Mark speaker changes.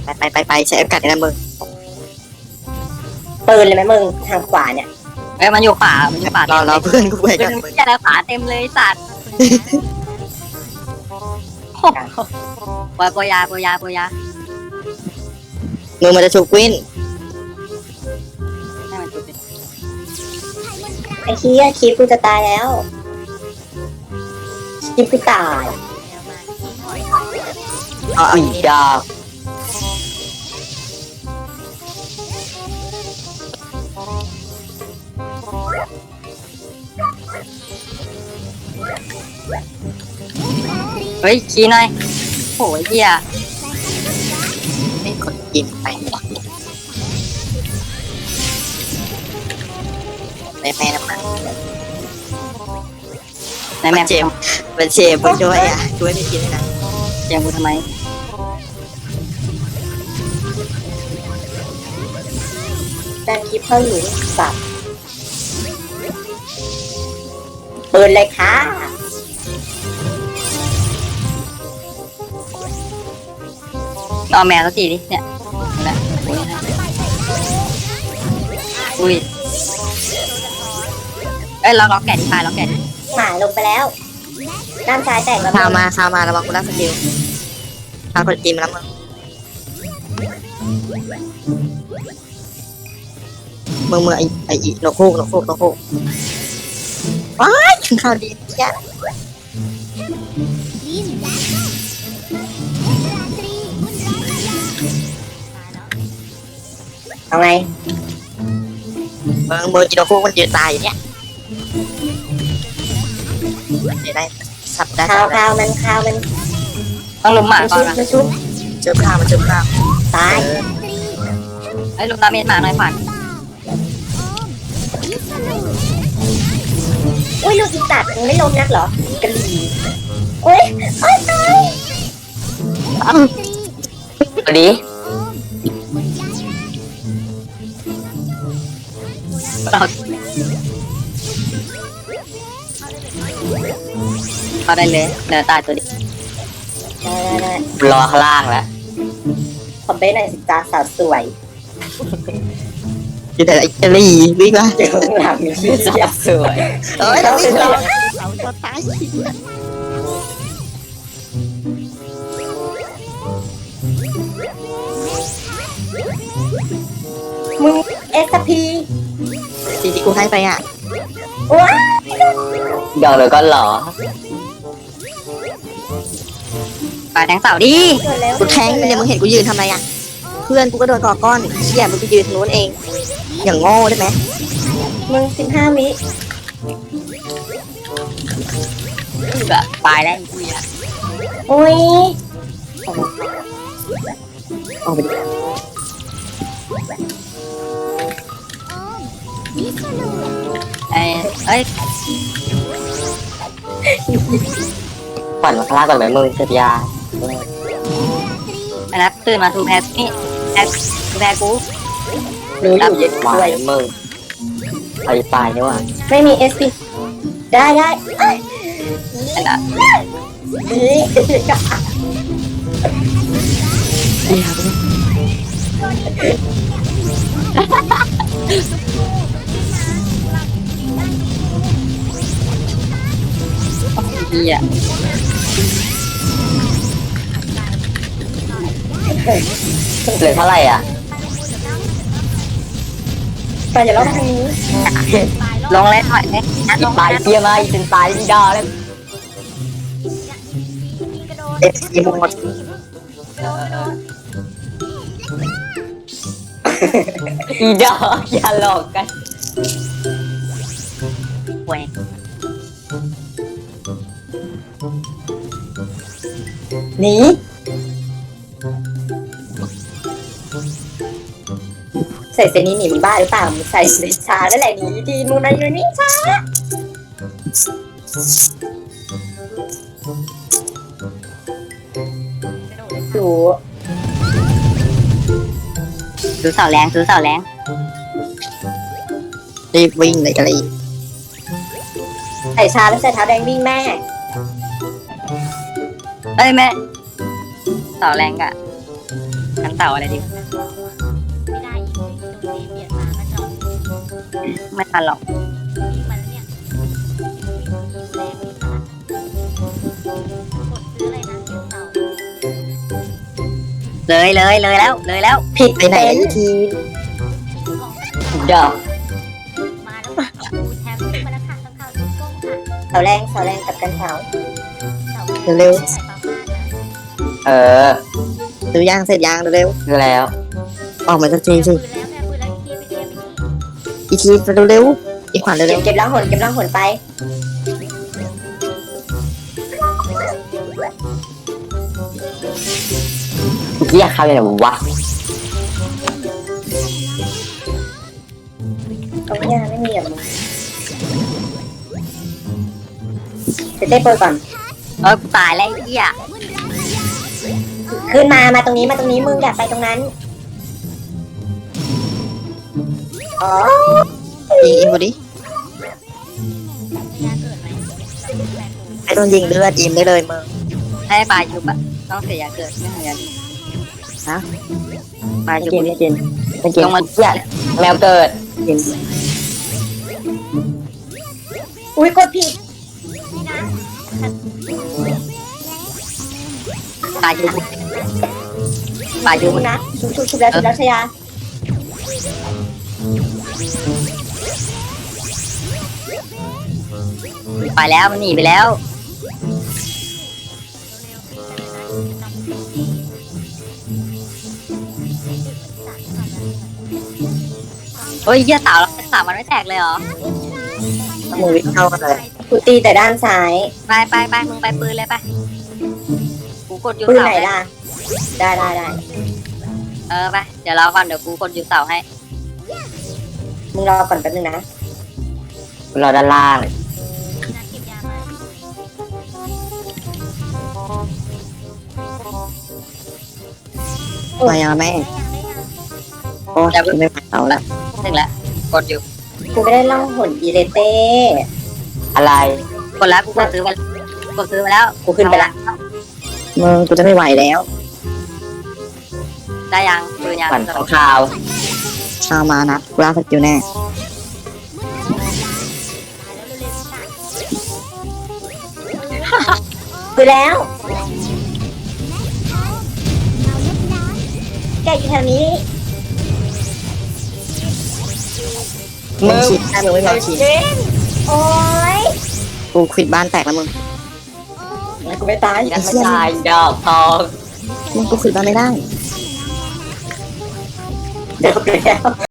Speaker 1: ไปใช้โอกาสนะมึง
Speaker 2: ปืนเลยไหมมึงทางขวาเนี่ย
Speaker 3: มันอยู่ป่ามันอยู่ป่าร
Speaker 1: อเพื่อนกูไปกันมึง
Speaker 3: จะแล้วป่าเต็มเลยสัตว์โปยา
Speaker 1: มึงมันจะชุกวิน
Speaker 3: ให้มันจุดเป็น
Speaker 2: ไอ้เหี้ยคลิปกูจะตายแล้วคลิปกูตาย
Speaker 1: เอาอีกดอก
Speaker 3: เฮ้ยขี้หน่อยโหเหี้ย
Speaker 1: ไม่กดกินไปแม่น้ำมัน
Speaker 3: นายแม่
Speaker 1: เจมเป็นเชฟไปด้วยอ่ะช่วยไม่กินนะ
Speaker 3: เจียงกูทำไม
Speaker 2: แต่คลิปเขาอยู่สับปืนเลยค่ะ
Speaker 3: เอาแมวสักทีดิเนี่ยอุ้ยล็อกแกะดิพายล็อกแกะดิ
Speaker 2: หมาลงไปแล้วด้านซ้ายแตกแล้ว
Speaker 1: ข้าวมาระวังกูรักสกิลข้าวกดกินมาแล้วมึงไอ้นกฮูกว้ายข้าวดีแค่
Speaker 2: เอาไง
Speaker 1: มึงกินนกฮูกมันยืนตายอยู่เนี่ยได้สับได้
Speaker 2: ข้าวมัน
Speaker 3: ต้องลุมหมา
Speaker 2: มัน
Speaker 3: ก่อ
Speaker 2: ชุ
Speaker 3: น
Speaker 2: บ
Speaker 3: นะ
Speaker 2: มันชุบ
Speaker 1: เจอข้าวมันเจอข้าว
Speaker 2: ตาย
Speaker 3: ลุมดาเมจหมาหน่อยผ่าน
Speaker 2: อุ้ยลูกอีสัตว์มึงไม่ล้มนักเหรอกะหรี่โอ้ยตาย
Speaker 1: สวัสดี
Speaker 3: เข้าได้เลยเดี๋ยวตายตัวดิ
Speaker 2: ได้
Speaker 1: รอข้างล่างแล้ว
Speaker 2: คอมเบนหน่อยสิจ้าสาวสวย
Speaker 1: อยู่แต่อิตาลีวิ่งมา
Speaker 2: เดี๋ยวหลังมีชื่อสาวสวย
Speaker 1: เอ้ยเราวิ่งเราตัวตาย
Speaker 2: มึงเอสพี
Speaker 1: สิ่งที่กูให้ไปอ่ะ
Speaker 2: ว้า
Speaker 1: เดี๋ยวก็หรอ
Speaker 3: ปลาแทงเสาดิ
Speaker 2: เกิดแล้ว
Speaker 1: กูแทงเนี่ยมึงเห็นกูยืนทำอะไรอ่ะเพื่อนกูก็โดนก่อก้อนเชี่ยมึงไปยืนทางนู้นเอง อย่างโง่ได้ไหม
Speaker 2: มึง15 วิ
Speaker 3: ตายแล้วกูอ่ะ
Speaker 2: โอ้ย
Speaker 1: ออกไปดิ
Speaker 3: เอ้ย
Speaker 1: ปั่นมาข้างล่างก่อนไหมมึงเสพยา
Speaker 3: อันนั้นตื่นมาทูแพทนี่ทูแพทกู
Speaker 2: รู้อยู่เย็น
Speaker 1: มา
Speaker 2: ด้วย
Speaker 1: มึงใครตายเนี่ยว่ะ
Speaker 2: ไม่มีเอสพีได้เอ้ย
Speaker 3: อันนั้น
Speaker 2: นี่
Speaker 3: ดีอ่ะ
Speaker 1: เหลือเท่าไหร่อ่ะ
Speaker 2: ไปอย่าเล่าทางนี้
Speaker 3: ลงเลยถอยเลยลง
Speaker 1: ตายเตี้ยมาอีเป็นตายดีดาเลยเอฟซีหมด อีดอกอย่าหลอกกัน
Speaker 3: ป่วย
Speaker 2: หนีใส่เซนี้หนีมึงบ้าหรือเปล่ามึงใส่เซชาแล้วแหละหนีดีมึงนะอยู่นี่ช้าดู
Speaker 3: ซื้อเสาแรง
Speaker 1: รีบวิ่งเลยกันเลย
Speaker 2: ใส่ชาแล้วใส่เท้าแดงวิ่งแม่
Speaker 3: เอ้ยแม่เสาแรงกะกันเต่าอะไรดี
Speaker 4: ไม่ได้อีกโดนเจเบียดมาก็จบ
Speaker 3: ไม่ทันหรอก
Speaker 4: วิ่งมาแล้วเนี่ยแรงวิ่งมาละกดซื้ออะไรนะเก็บเต่า
Speaker 3: เลยแล้ว
Speaker 2: ผิด
Speaker 1: ไปไหน
Speaker 2: เป็น
Speaker 1: อีกที
Speaker 4: ทิ้งของ
Speaker 2: ดอก
Speaker 4: มาแล้วค่ะดูแถมวิ่งมาแล้วค่ะต้องเข้าทิ้งกล้องค่ะ
Speaker 2: เสาแรงกับกันเสา
Speaker 1: เร็ว
Speaker 4: ใส่ปลาบ้านนะ
Speaker 5: เออ
Speaker 1: ๆซื้อย่างเสร็จยางเร็ว
Speaker 5: คือแล้ว
Speaker 1: ๆออกมาสักทีสิ
Speaker 4: ปืนแล้วแม่ปืนแล้วอีกทีไปเทียบไปที่
Speaker 1: อีกทีเร็วๆอีกขวัญเร็ว
Speaker 2: เก็บล่างหนไป
Speaker 5: เรียกเขาอย่างวะ
Speaker 2: ตรงนี้ไม่มีแบบมึงเต้โปรยก่อน
Speaker 3: กูตายแล้วไอ้เหี้ย
Speaker 2: ขึ้นมาตรงนี้มึงอยากไปตรงนั้นอ๋อ
Speaker 1: ๆยิงอินบอดี้
Speaker 4: ยาเกิดไหมแม่กู
Speaker 1: ไอ้โดนยิงเลือดอิมได้เลยมึง
Speaker 3: ให้ปลาชุบอะต้องเสียยาเกิดไม่เหมือนกันปลาชุบ
Speaker 5: ไม่กิน
Speaker 3: ลงมา
Speaker 5: เนี่ยแมวเกิด
Speaker 2: อุ้ยกดผิด
Speaker 4: นี่นะ
Speaker 3: ปลาชุบปลาชุบ
Speaker 2: นะชุบแล้วชยา
Speaker 3: ไปแล้วมันหนีไปแล้วเฮ้ยเหี้ยเต่ามันไม่แตกเลยเหรอ
Speaker 1: มึงวิ่งเข้ากันเลย
Speaker 2: กูตีแต่ด้านซ้าย
Speaker 3: ไปมึงไปปืนเลยไปกูกดยู
Speaker 2: ปืน
Speaker 3: เสา
Speaker 2: ไหนล่ะ ได้
Speaker 3: ไปเดี๋ยวรอก่อนเดี๋ยวกูกดยูเสาให้
Speaker 2: มึงรอก่อนแป๊บนึงนะ
Speaker 5: เราด้านล่าง
Speaker 4: นัดเก็บยามา
Speaker 1: มายังแม่
Speaker 4: ได้ยัง
Speaker 1: โอ้ยไม่ไหวเอาละ
Speaker 3: ถึงแล้วกดอยู่
Speaker 2: กูไม่ได้ล่องหนอีเลเต้
Speaker 5: อะไร
Speaker 3: กดแล้วกูกดซื้อไปแล้ว
Speaker 2: กูขึ้นไปละ
Speaker 1: มึงกูจะไม่ไหวแล้ว
Speaker 3: ได้ยังปืนยัง
Speaker 5: ขวัญของข่าว
Speaker 1: ชาวมานัดกูล่าสกิลแน่
Speaker 2: คือแล้ว แกอยู่แถวนี้
Speaker 1: มึงชิดได้มึงไม่พอชิด
Speaker 2: โอ้ย
Speaker 1: กูควิดบ้านแตกแล้วมึง
Speaker 2: กูไม่ตาย
Speaker 5: ยังไม่ตายดอกทอง
Speaker 1: มึงกูควิดบ้านไม่ได้
Speaker 2: เจอแล้ว